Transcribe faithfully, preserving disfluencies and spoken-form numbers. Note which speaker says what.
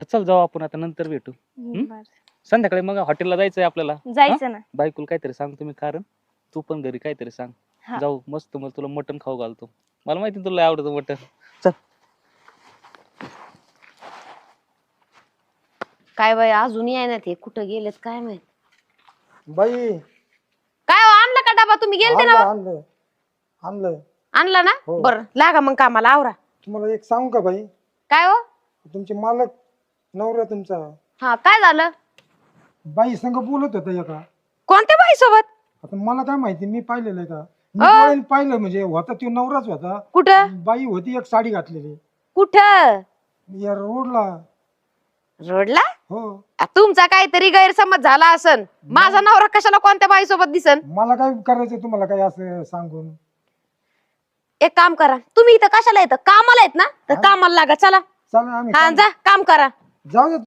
Speaker 1: चल जाऊ आपण आता नंतर भेटू.
Speaker 2: बरं.
Speaker 1: संध्याकाळी मग हॉटेलला जायचंय आपल्याला.
Speaker 2: जायचं ना.
Speaker 1: बायकोला काहीतरी सांगतो मी कारण तू पण घरी काहीतरी सांग.
Speaker 2: हा.
Speaker 1: जाऊ मस्त मग तुला मटण खाऊ घालतो. मला माहिती तुला आवडतं मटण. चल.
Speaker 3: काय बाई अजून याय ना ते कुठं गेलेत काय माहित.
Speaker 4: बाई
Speaker 3: काय हो, आणलं का डबा तुम्ही गेलते
Speaker 4: आणलं
Speaker 3: ना
Speaker 4: आणलं आणलं
Speaker 3: आणला ना
Speaker 4: हो.
Speaker 3: बरं लागा मग कामाला आवरा.
Speaker 4: तुम्हाला एक सांगू का बाई,
Speaker 3: काय हो
Speaker 4: तुमचे मालक नवरा तुमचा
Speaker 3: हा काय झालं
Speaker 4: बाई संग बोलत होता एका.
Speaker 3: कोणत्या बाई सोबत
Speaker 4: आता मला काय माहिती, मी पाहिलेलं आहे का, मी
Speaker 3: अ?
Speaker 4: डोळ्याने पाहिलं म्हणजे होता तो नवराच होता.
Speaker 3: कुठं
Speaker 4: बाई होती एक साडी घातलेली
Speaker 3: कुठं
Speaker 4: या रोडला.
Speaker 3: रोडला
Speaker 4: हो
Speaker 3: आ, तुमचा काहीतरी गैरसमज झाला असन. माझा नवरा कशाला कोणत्या बाई सोबत दिसन.
Speaker 4: मला काय करायचं तुम्हाला काय असं सांगून.
Speaker 3: एक काम करा तुम्ही इथं कशाला येतं कामाला येत ना तर
Speaker 4: हा.
Speaker 3: कामाला लागा चला
Speaker 4: चला आम्ही
Speaker 3: हा
Speaker 4: काम-
Speaker 3: जा काम करा.
Speaker 4: जाऊ दे